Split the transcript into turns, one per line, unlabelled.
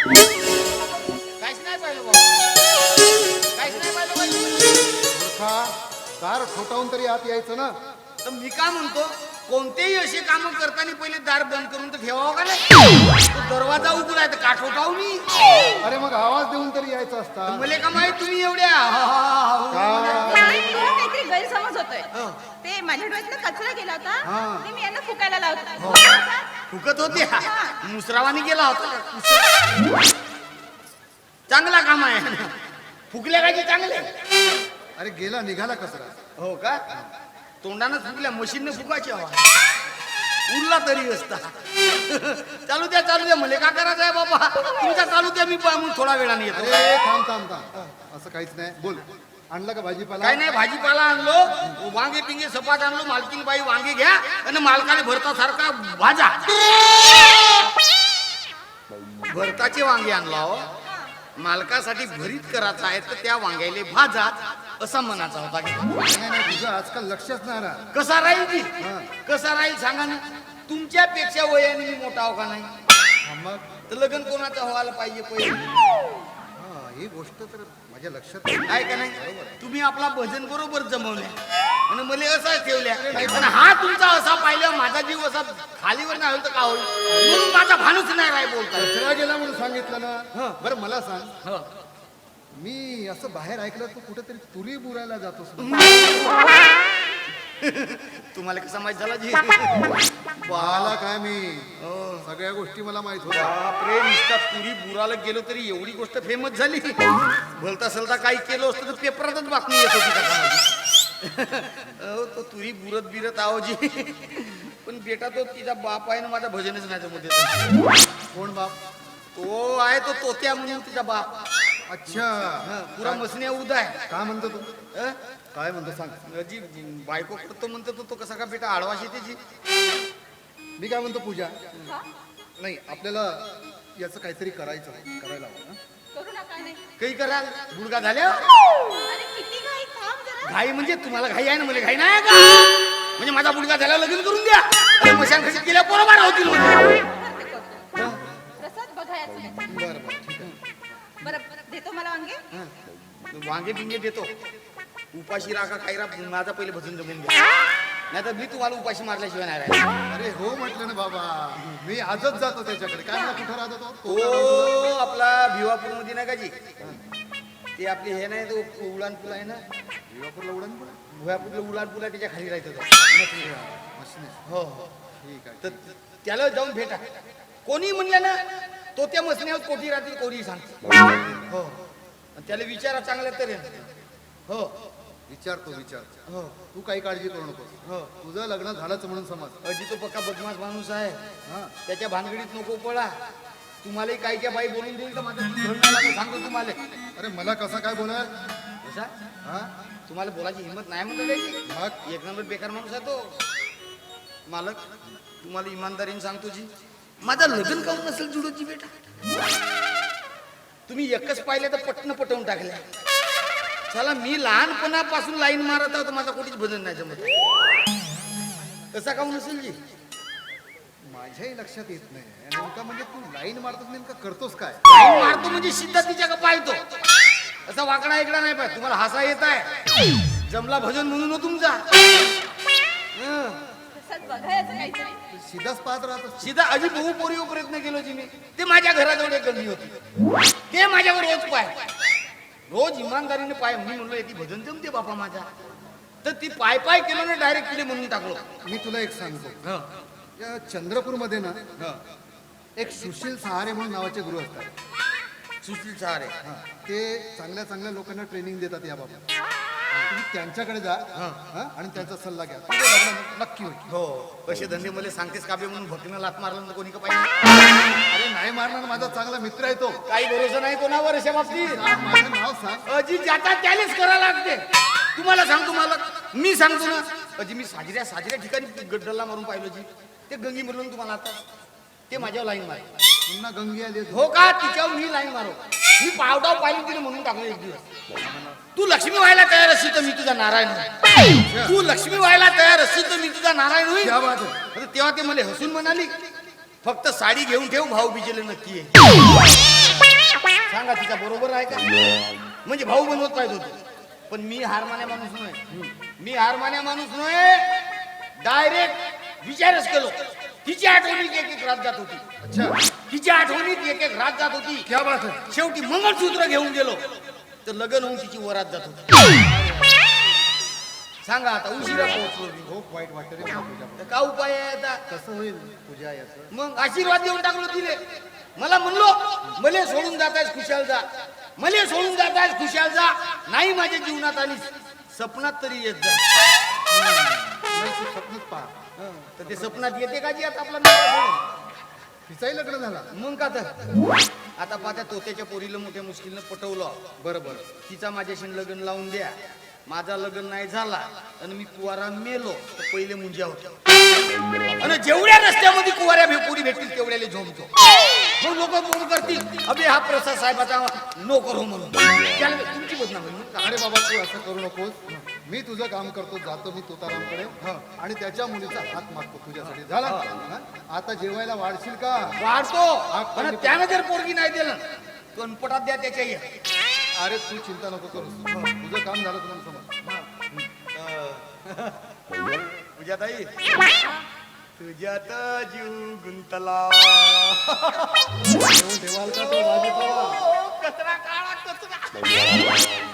काहीच नाही पाहिलं बाबा, काहीच नाही पाहिलं बाई.
मूर्खा, दार ठोठावून तरी आत यायचं ना.
तर मी काय म्हणतो, कोणतेही असे काम करताना पहिले दार बंद करून तर ठेवावं का नाही? तो दरवाजा उघडा तर काठ उठावू मी.
अरे मग आवाज देऊन तरी यायचं असता.
मला का माहित तुम्ही एवढ्या
काहीतरी गैरसमज होतोय. ते माझ्या डोळ्यात कचरा गेला होता, ते मी यांना फुकायला लावतो.
फुकत होते, मुसरावानी गेला होता. चांगला काम आहे, फुकल्या काय की चांगले.
अरे गेला निघाला कचरा.
हो का? तोंडानं फुकल्या, मशीनने फुकायची हवा उरला तरी असता. चालू द्या चालू द्या, मला का करायचं आहे बाबा? तुमचा चालू द्या, मी थोडा वेळाने येतो.
अरे थांब थांब थांब, असं काहीच नाही. बोल, आणला का भाजीपाला?
काय नाही, भाजीपाला आणलो, वांगे पिंगे सपाट आणलो. मालकीन बाई वांगे घ्या आणि मालकाने भरता सारखा भाजा. भरताचे वांगे आणला हो. मालकासाठी भरीत करायचा आहे तर त्या वांग्याले भाजा असा मनाचा होता.
नाही, तुझं आजकाल लक्षच नाही ना.
कसा राहील की, कसा राहील सांगा ना? तुमच्यापेक्षा वयाने मी मोठा हो का नाही?
मग
तर लग्न कोणाचं व्हायला पाहिजे पहिले?
ही गोष्ट तर माझ्या लक्षात
आहे का नाही? तुम्ही आपला भजन बरोबर जमवल्या आणि मला असा ठेवल्या, आणि हा तुमचा असा पाहिलं, माझा जीव असा खालीवर नाही होईल तर का होईल? म्हणून माझा भानूच नाही राय बोलता.
कचरा गेला म्हणून सांगितलं ना. बरं मला सांग,
हो.
मी असं बाहेर ऐकलं तू कुठेतरी तुरी बुरायला जातोस.
तुम्हाला कसा माहित झाला जी?
पाहाला काय मी, सगळ्या गोष्टी मला माहित होत्या.
बापरे, नुसता तुरी बुराला गेलो तरी एवढी गोष्ट फेमस झाली. भलता सलता काही केलं असतं तर पेपरातच बातमी येत होती का? तो तुरी बुरत बिरत आहो जी. पण बेटा तो तिचा बाप आहे ना, माझा भजनच नाही जमत येत.
कोण बाप?
तो आहे तो तोत्या म्हणून तिचा बाप.
अच्छा,
पुरा मसण्या उदा आहे.
काय म्हणतो तू?
अं?
काय म्हणतो सांग.
जी बायको करतो म्हणतो तो कसा का बेटा आडवा शेतीची.
मी काय म्हणतो पूजा, नाही आपल्याला याचं काहीतरी करायला हवं ना.
करू नका नाही.
काही कराल गुडगा झाल्या.
अरे किती घाई, थांब जरा.
घाई म्हणजे तुम्हाला घाई आहे ना, मला घाई नाही का? म्हणजे माझा गुडगा झाल्यावर लगीन करून द्या, आणि मशान खशीत गेल्या बरोबर होतील.
करते, करते. प्रसाद बघायचं आहे.
बरं बरं ठीक आहे.
बरं देतो मला वांगे.
वांगे बिंगे देतो. उपाशी राखा काही राख, माझा पहिले भजन जमून घ्या, नाही तर मी तुम्हाला उपाशी मारल्याशिवाय नाही राहिला.
अरे हो म्हटलं ना बाबा, मी आजच जातो त्याच्याकडे. काय मला कुठं राहतो तो?
तो आपला भिवापूर मध्ये नाही का जी, ते आपली हे नाही, तो उडान पूल आहे ना,
भिवापूरला उडण पुढे.
भिवापूरला उडान पूल आहे, त्याच्या खाली राहतो तो.
मशीन.
हो हो.
ठीक आहे.
तर त्याला जाऊन भेटा. कोणी म्हणलं ना तो त्या मसण्यावर कोठी राहतील, कोणी सांगते. हो, आणि त्याला विचारा चांगल्या तऱ्हेने. हो
विचारतो.
हो
तू काही काळजी करू नकोस.
हो.
तुझं लग्न झालंच म्हणून समज.
अजी तो पक्का बदमाश माणूस आहे.
हा,
त्याच्या भानगडीत नको पळा. तुम्हालाही काही क्या बाई बोलून देईल तर माझं धड नाही लागेल, सांगतो तुम्हाला.
अरे मला कसा काय बोलाल?
कसा
हा,
तुम्हाला बोलायची हिंमत नाही म्हणतो त्याची.
मग
एक नंबर बेकार माणूस आहे तो. मालक तुम्हाला इमानदारीने सांगतो जी, माझं लग्न काऊन नसेल जुडोजी बेटा. तुम्ही एकच पाहिले तर पटवून टाकल्या. चला मी लहानपणापासून लाईन मारत आहोत, माझा कोणीच भजन नाही जमत. कसा काऊन नसेल जी?
माझ्याही लक्षात येत नाही. नेमका म्हणजे तू लाईन मारतोस, नेमका करतोस काय?
लाईन मारतो म्हणजे सिद्धा तिच्या का पाहतो, असा वाकडा इकडा नाही पाहिजे. तुम्हाला हसा येत आहे, जमला भजन म्हणून हो तुमचा.
प्रसाद बघायचं काहीतरी.
सीधाच पाहत राहतो.
सीधा अजी बहु पोरीवर प्रयत्न केलो जी मी. ते माझ्या घराजवळ एक गल्ली होती, ते माझ्यावर रोज पाय, रोज इमानदारीने पाय. मी म्हणलो ती भजन जमते बापा माझा, तर ती पाय केलो ना, डायरेक्ट तिला म्हणून टाकलो.
मी तुला एक सांगतो, या चंद्रपूरमध्ये ना एक सुशील सहारे म्हणून नावाचे गुरु असतात.
सुशील सहारे.
ते चांगल्या चांगल्या लोकांना ट्रेनिंग देतात या बाबत. तुम्ही त्यांच्याकडे जा आणि त्यांचा सल्ला घ्या, तुझं लग्न नक्की होईल.
हो, कसे धंदे मला सांगतेस काबे म्हणून भक्तीनं लात मारलं तर कोणी का पाहिजे?
अरे नाही मारणार, माझा चांगला मित्र आहे तो.
काही भरोसा नाही कोणावर अशा बाबतीत.
माझं नाव सांग.
अजी ज्याचा त्यालाच करा लागते. तुम्हाला सांगतो मला, मी सांगतो ना अजी, मी साजऱ्या ठिकाणी गड्डला मारून पाहिलो जी. ते गंगी म्हणून तुम्हाला आता ते माझ्यावर लाईन मारे.
पुन्हा गंगी आली.
हो का? तिच्यावर मी लाईन मारो. मी पावडाव पाहिलं तिने म्हणून टाकलो एक दिवस. तू लक्ष्मी व्हायला तयार असशील तर मी तुझा नारायण होईल. तू लक्ष्मी व्हायला तयार असशील तर मी तुझा नारायण होईल.
क्या बात आहे.
तेव्हा ते मला हसून म्हणाली, फक्त साडी घेऊन ठेव, भाऊ बिजेले नक्की आहे. सांगा तिचा बरोबर आहे का? म्हणजे भाऊ बनवत पाहिजे होते, पण मी हार मान्या माणूस नाही. मी हार मान्या माणूस नाही, डायरेक्ट विचारच केलो. तिची आठवणीत एक एक रात जात होती.
अच्छा,
तिच्या आठवणीत एक एक रात जात होती.
क्या बात आहे.
शेवटी मंगळसूत्र घेऊन गेलो तर लग्न होऊन तिची वरात जात होती. सांगा आता उशिरा पोहोचलो मी.
खूप वाईट वाटतं रे मला तुझ्या.
तर का उपाय आहे आता?
कसं होईल तुझ्या याचं?
मग आशीर्वाद देऊन टाकलो तिले. मला म्हणलो मले सोडून जातायस खुशाल जा, मले सोडून जातायस खुशाल जा. नाही माझ्या जीवनात आलीस, सपनात तरी येत जा.
स्वप्नच पहा.
तर ते सपनात येते का जी आता आपला नवरा सोडून?
तिचाही लग्न झाला.
मग का तर आता पाहत्या तोत्याच्या पोरीला मोठ्या मुश्किलनं पटवलं.
बरोबर.
तिचा माझ्याशी लग्न लावून द्या. माझा लग्न नाही झाला आणि मी कुवारा मेलो तर पहिले मुंज्या होत्या. आणि जेवढ्या रस्त्यामध्ये कुवाऱ्या पोरी भेटतील तेवढ्याला झोमतो. मग लोक फोन करतील, अबे हा प्रसाद साहेबाचा नोकर हो म्हणून. त्याला तुमची बदनामी होईल.
अरे बाबा तू असं करू नकोस. मी तुझं काम करतो, जातो मी तुतारामकडे आणि त्याच्या मुलीचा हात मागतो तुझ्यासाठी. झाला हा? आता जेवायला वाढशील का?
वाढतो. आणि त्यानं जर पोरगी नाही दिलं कणपटात द्या त्याच्या ये.
अरे तू चिंता नको करूस. तुझं काम झालं तुला समज.
पूजाताई, तुझ्यात जीव गुंतला.
ठेवाल का तो भाजीपाला?
कचरा काळा कचरा.